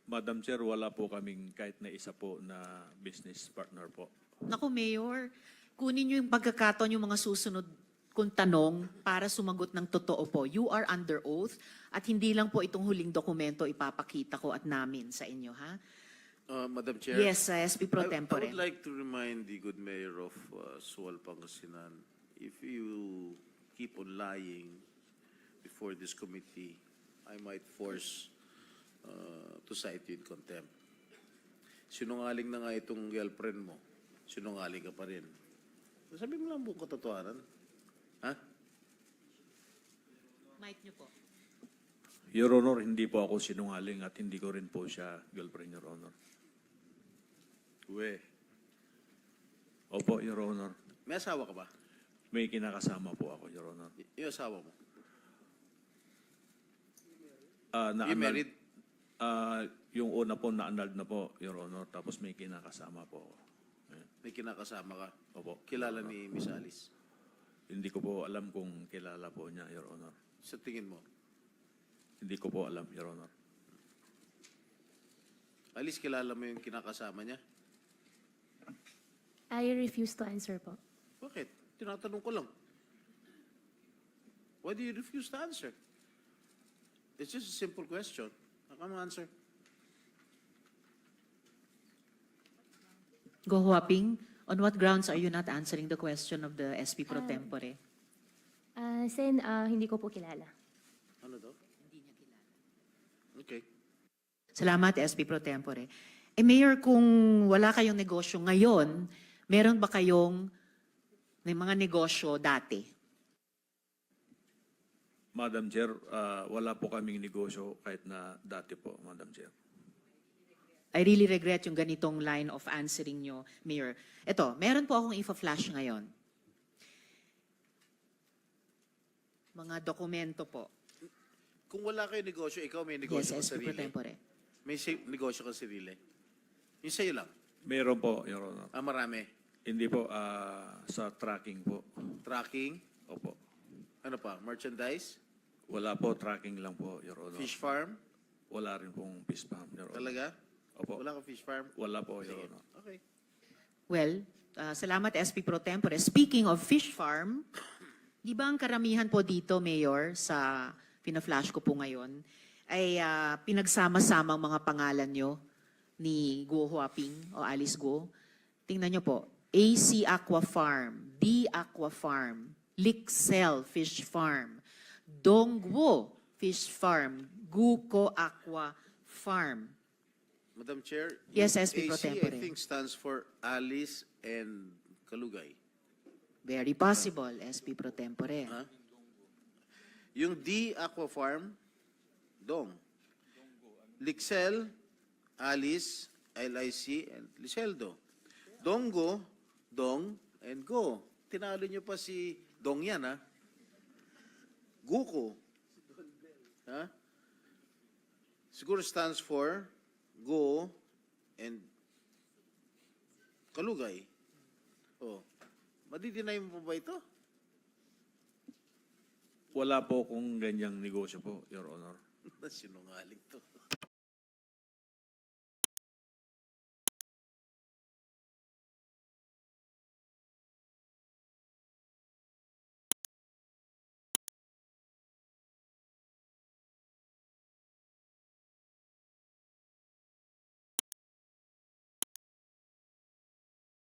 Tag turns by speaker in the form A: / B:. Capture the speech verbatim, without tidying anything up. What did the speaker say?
A: Madam Chair, wala po kaming kahit na isa po na business partner po.
B: Naku, Mayor, kunin niyo yung pagkakataon yung mga susunod kung tanong para sumagot ng totoo po. You are under oath at hindi lang po itong huling dokumento ipapakita ko at namin sa inyo, ha?
C: Uh, Madam Chair.
B: Yes, uh, S P Pro
C: I-
B: Tempore.
C: I would like to remind the good mayor of uh, Sual, Pangasinan, if you keep on lying before this committee, I might force uh, to cite you in contempt. Sinungaling na nga itong girlfriend mo. Sinungaling ka pa rin. Sabi mo lang buong katotohanan. Ha?
B: Mic niyo po.
A: Your Honor, hindi po ako sinungaling at hindi ko rin po siya girlfriend, Your Honor.
C: We.
A: Opo, Your Honor.
C: May asawa ka ba?
A: May kinakasama po ako, Your Honor.
C: Y- yung asawa mo?
A: Ah, na
C: You married?
A: Ah, yung una po na-annulled na po, Your Honor. Tapos may kinakasama po ako. Ayan.
C: May kinakasama ka?
A: Opo.
C: Kilala ni Miss Alice?
A: Hindi ko po alam kung kilala po niya, Your Honor.
C: Sa tingin mo?
A: Hindi ko po alam, Your Honor.
C: Alice, kilala mo yung kinakasama niya?
D: I refuse to answer po.
C: Bakit? Tinatanong ko lang. Why do you refuse to answer? It's just a simple question. How come answer?
B: Go Huaping, on what grounds are you not answering the question of the S P Pro
D: Ah.
B: Tempore?
D: Ah, Sen, ah, hindi ko po kilala.
C: Ano daw? Okay.
B: Salamat, S P Pro Tempore. Eh, Mayor, kung wala kayong negosyo ngayon, meron ba kayong may mga negosyo dati?
A: Madam Chair, ah, wala po kaming negosyo kahit na dati po, Madam Chair.
B: I really regret yung ganitong line of answering nyo, Mayor. Ito, meron po akong info-flash ngayon. Mga dokumento po.
C: Kung wala kayo negosyo, ikaw may
B: Yes,
C: negosyo ka
B: S P Pro
C: sarili.
B: Tempore.
C: May si- negosyo ka sarili. Yung sa'yo lang.
A: Meron po, Your Honor.
C: Ah, marami.
A: Hindi po, ah, sa tracking po.
C: Tracking.
A: Opo.
C: Ano pa? Merchandise?
A: Wala po, tracking lang po, Your Honor.
C: Fish farm?
A: Wala rin pong fish farm, Your Honor.
C: Talaga?
A: Opo.
C: Wala ka fish farm?
A: Wala po, Your
C: Sige.
A: Honor.
C: Okay.
B: Well, uh, salamat S P Pro Tempore. Speaking of fish farm, di ba ang karamihan po dito, Mayor, sa pina-flash ko po ngayon, ay uh, pinagsama-sama ang mga pangalan nyo ni Guo Huaping o Alice Guo. Tingnan nyo po, A C Aqua Farm, D Aqua Farm, Lixel Fish Farm, Dongguo Fish Farm, Guko Aqua Farm.
C: Madam Chair,
B: Yes,
C: yung
B: S P Pro
C: A C,
B: Tempore.
C: I think stands for Alice and Kalugay.
B: Very possible, S P Pro Tempore.
C: Ha? Yung D Aqua Farm, Dong. Lixel, Alice, L I C, and Liceldo. Dongo, Dong, and Go. Tinalo nyo pa si Dong yan, ha? Guko. Ha? Siguro stands for Go and Kalugay. Oh. Madidinay mo pa ba ito?
A: Wala po kung ganyang negosyo po, Your Honor.
C: Sinungaling to.